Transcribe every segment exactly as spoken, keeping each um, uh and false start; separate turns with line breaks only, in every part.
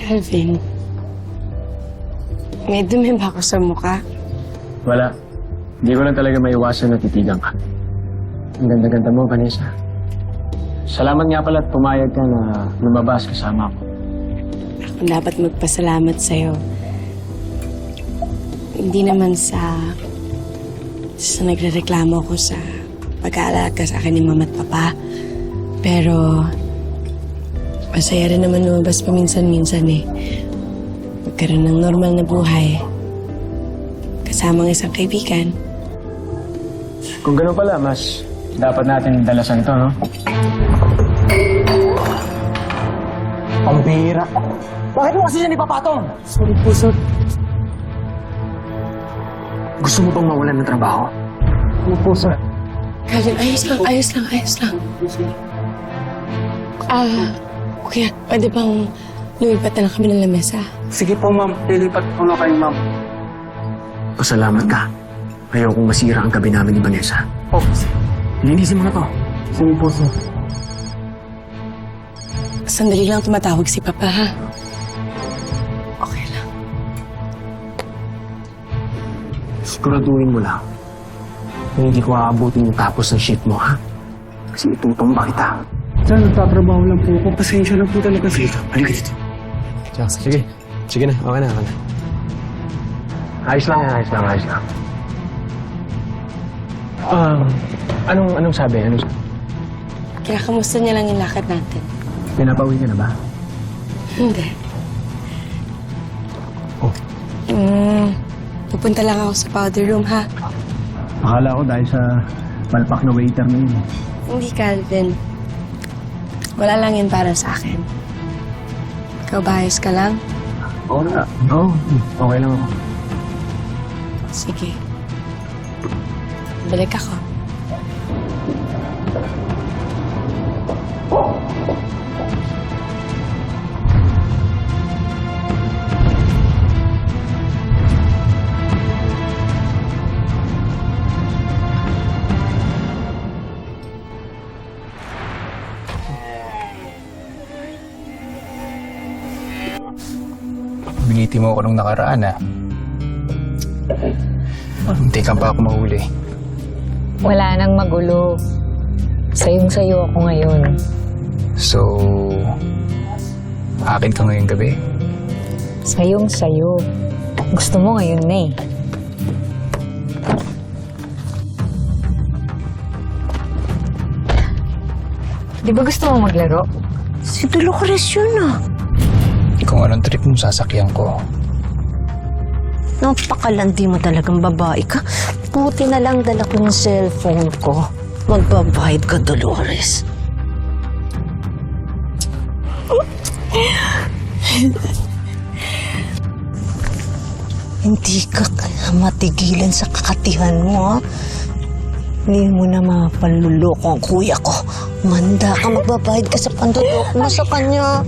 Calvin, may dumi ba ako sa mukha?
Wala. Hindi ko lang talaga maiwasan na titigan ka. Ang ganda-ganda mo, Vanessa. Salamat nga pala at pumayag ka na lumabas kasama ko.
Ako dapat magpasalamat sa'yo. Hindi naman sa... sa nagrereklamo ko sa pag-aalaga sa akin ni Mama at Papa. Pero... masaya rin naman lumabas paminsan-minsan eh. Magkaroon ng normal na buhay. Kasama ng isang kaibigan.
Kung gano'n pala, mas dapat natin dalasan ito, no? Pambira. Bakit mo kasi siya ipapatong? Sorry po, sir. Gusto mo bang mawalan ng trabaho? Ano po, sir?
Calvin, ayos lang, ayos lang, ayos lang. Ah, okay. Pwede bang lumipat na lang kami ng lamesa?
Sige po, ma'am. Lilipat po na kayo, ma'am.
Pasalamat ka. Ayokong masira ang gabi namin ni Vanessa.
Oh,
Linisin mo na to.
sige po, sir.
Sandali lang tumatawag si Papa, ha? Okay lang.
Siguraduhin mo lang na hindi ko aabutin yung tapos ng shift mo, ha? Kasi itutumba kita.
Sir, nagtatrabaho lang po ako. Pasensya na po talaga, sir.
Halika dito. Sige. Sige na. Okay na. Okay na. Ayos lang yan. Ayos lang. Ayos lang. Um, anong, anong sabi? Anong sabi?
Kinakamusta niya lang yung lakad natin.
Pinapauwi ka na ba?
Hindi.
Oh.
Mm, pupunta lang ako sa powder room, ha?
Akala ko dahil sa palpak na waiter na yun.
Hindi, Calvin. Wala lang yun para sa akin. Ikaw ba, ayos ka lang?
Oo na. Oo. Okay lang ako.
Sige. Balik ako.
Biniti mo ako nung nakaraan, ah. Hindi ka pa ako mahuli.
Wala nang magulo. Sayong-sayo ako ngayon.
So, akin ka ngayong gabi.
Sayong-sayo. Gusto mo ngayon na eh. Di ba gusto mo maglaro?
Si Dolores yun ah.
Kung anong trip mo, sasakyan ko.
Napakalandi mo talagang babae ka. Buti na lang dala ko yung cellphone ko. Magbabayad ka, Dolores. Hindi ka matigilan sa kakatihan mo, ha? Hindi mo na mapaluloko ang kuya ko. Manda ka, magbabayad ka sa pandudok mo sa kanya.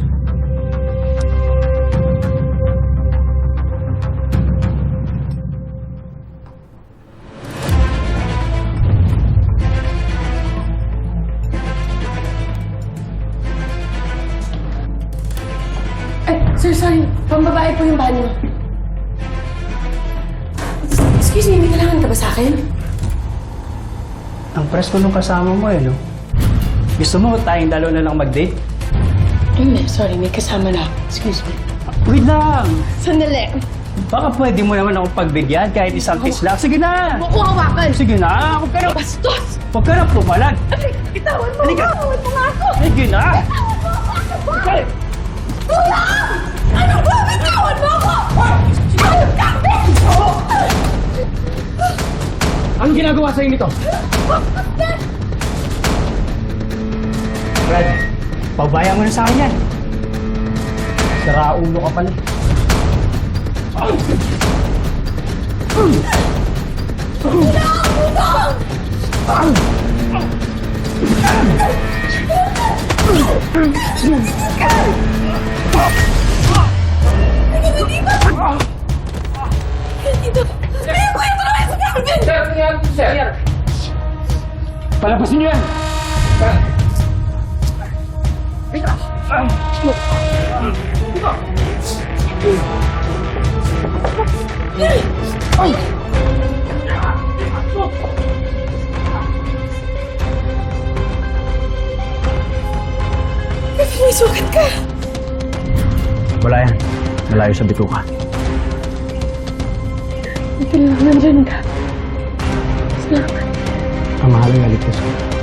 Ay, sir, sorry. Pambabae po yung banyo. Excuse me, may kailangan ka ba sa akin?
Ang presko nung kasama mo, eh, no? Gusto mo tayong dalawa na lang mag-date?
Hindi, sorry. May kasama na. Excuse me.
Wait lang!
Sandali.
Baka pwede mo naman akong pagbigyan kahit isang kiss lang. Sige na!
Huwag ko hawakan.
Sige na! Huwag ka na!
Bastos!
Huwag ka na pumalag!
Itawan mo
Halika.
ako! Itawan mo nga ako!
Sige na!
Kuya! Ano ba? Bitawan mo ako!
Anong ginagawa sa'yo nito?
Brad, paubaya mo na sa akin yan. Saraulo ka pala.
Palabasin niyo yan!
May sugat ka!
Wala yan. Malayo sa bituka.
Ito lang, nandyan ka. Salamat.
Ang mahal ng galit ko sa'yo.